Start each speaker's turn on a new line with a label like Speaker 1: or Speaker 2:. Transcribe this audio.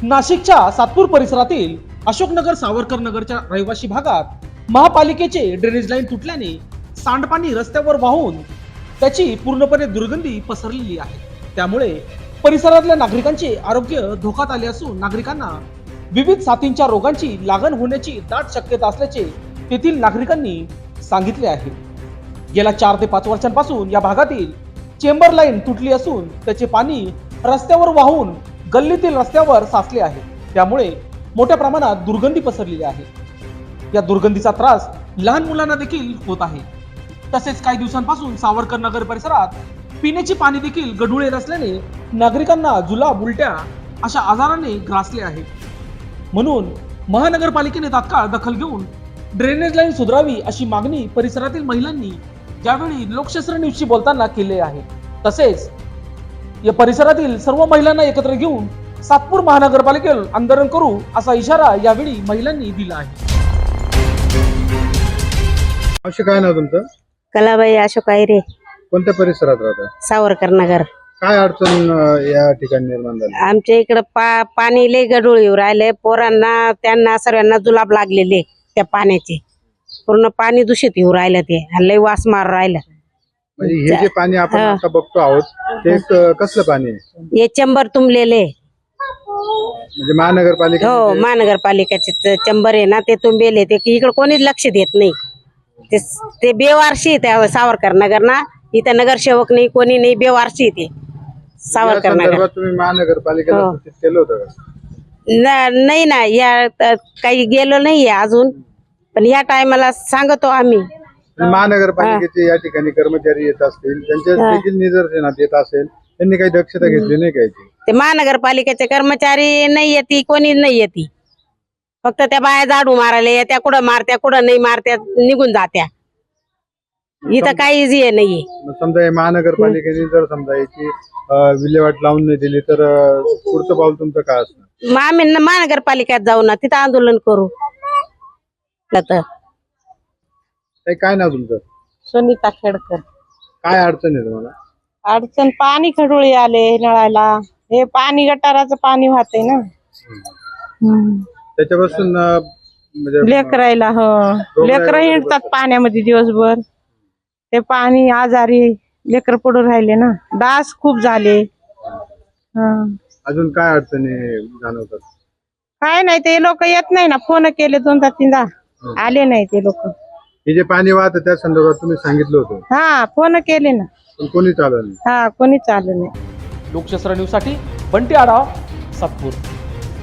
Speaker 1: नाशिकच्या सातपूर परिसरातील अशोकनगर सावरकर नगरच्या रहिवासी भागात महापालिकेचे ड्रेनेज लाईन तुटल्याने सांडपाणी रस्त्यावर वाहून त्याची पूर्णपणे दुर्गंधी पसरलेली आहे। त्यामुळे परिसरातल्या नागरिकांचे आरोग्य धोक्यात आले असून नागरिकांना विविध साथींच्या रोगांची लागण होण्याची दाट शक्यता असल्याचे तेथील नागरिकांनी सांगितले आहे। गेल्या 4 ते 5 वर्षांपासून या भागातील चेंबर लाईन तुटली असून त्याचे पाणी रस्त्यावर वाहून गल्लीतील रस्त्यावर साचले आहे। त्यामुळे मोठ्या प्रमाणात दुर्गंधी पसरलेली आहे। या दुर्गंधीचा त्रास लहान मुलांना देखील होत आहे। तसेच काही दिवसांपासून सावरकर नगर परिसरात पिण्याचे पाणी देखील गढूळ येत असल्याने नागरिकांना जुलाब, उलट्या अशा आजाराने ग्रासले आहे। म्हणून महानगरपालिकेने तात्काळ दखल घेऊन ड्रेनेज लाईन सुधारावी अशी मागणी परिसरातील महिलांनी यावेळी लोकशास्त्र न्यूजशी बोलताना केली आहे। तसेच या परिसरातील सर्व महिलांना एकत्र घेऊन सातपूर महानगरपालिकेवर आंदोलन करू असा इशारा यावेळी महिलांनी दिला आहे।
Speaker 2: असे काय नाव तुमचं?
Speaker 3: कलाबाई अशोक आयरे,
Speaker 2: कोणत्या परिसरात राहता?
Speaker 3: सावरकर नगर।
Speaker 2: काय अडचण या ठिकाणी निर्माण झाली?
Speaker 3: आमच्या इकडे पाणी लय गढूळ येऊ राहिले। पोरांना त्यांना सर्वांना जुलाब लागलेले त्या पाण्याचे। पूर्ण पाणी दूषित येऊ राहिलं, ते लय वास मार राहिलं।
Speaker 2: म्हणजे हे जे पाणी आपण आता बघतो आहोत ते कसलं पाणी आहे?
Speaker 3: हे चंबर तुंबलेले।
Speaker 2: म्हणजे महानगरपालिका?
Speaker 3: हो, महानगरपालिकेचे चंबर आहे ना, ते तुंबेले। ते इकडे कोणीच लक्ष देत नाही। ते बेवारशी त्या सावरकर नगर ना, इथं नगरसेवक नाही, कोणी नाही, बेवारशी ते सावरकर नगर।
Speaker 2: तुम्ही महानगरपालिकेला सूचित केलं होतं का?
Speaker 3: नाही ना, या काही गेलो नाहीये अजून, पण या टायमाला सांगतो आम्ही।
Speaker 2: महानगरपालिकेचे या ठिकाणी कर्मचारी येत असतील, त्यांच्या देखील निदर्शनात येत असेल, त्यांनी काही दक्षता घेतली नाही काय?
Speaker 3: ते महानगरपालिकेचे कर्मचारी नाही येते, कोणी नाही येते। फक्त त्या बाया झाडू मारायला येत्या, कुठं मारत्या कुठं नाही मारत्या, निघून जात्या। इथं काहीच हे नाहीये।
Speaker 2: समजा महानगरपालिकेने जर समजा याची विल्हेवाट लावून नाही दिली तर पुढचं पाऊल तुमचं काय असणार?
Speaker 3: मग आम्ही महानगरपालिकेत जाऊ ना, तिथं आंदोलन करू।
Speaker 2: काय नाव तुमचं?
Speaker 4: सुनीता खेडकर।
Speaker 2: काय अडचण आहे तुम्हाला?
Speaker 4: अडचण पाणी खडुळे आले नळाला, हे पाणी गटाराचं पाणी वाहते ना,
Speaker 2: त्याच्यापासून म्हणजे
Speaker 4: लेकरायला लेकर हिंडतात पाण्यामध्ये दिवसभर। ते पाणी आजारी लेकर पडून राहिले ना, डास खूप झाले।
Speaker 2: अजून काय अडचणी जाणवतात?
Speaker 4: काय नाही, ते लोक येत नाही ना, फोन केले 2-3दा, आले नाही ते लोक।
Speaker 2: हे जे पाणी वाहतं त्या संदर्भात तुम्ही सांगितलं होतं?
Speaker 4: हा, फोन केले ना,
Speaker 2: पण कोणी चाललं नाही।
Speaker 4: हा, कोणी चाललं नाही।
Speaker 1: लोकशास्त्र न्यूज साठी बंटी आढाव, सातपूर।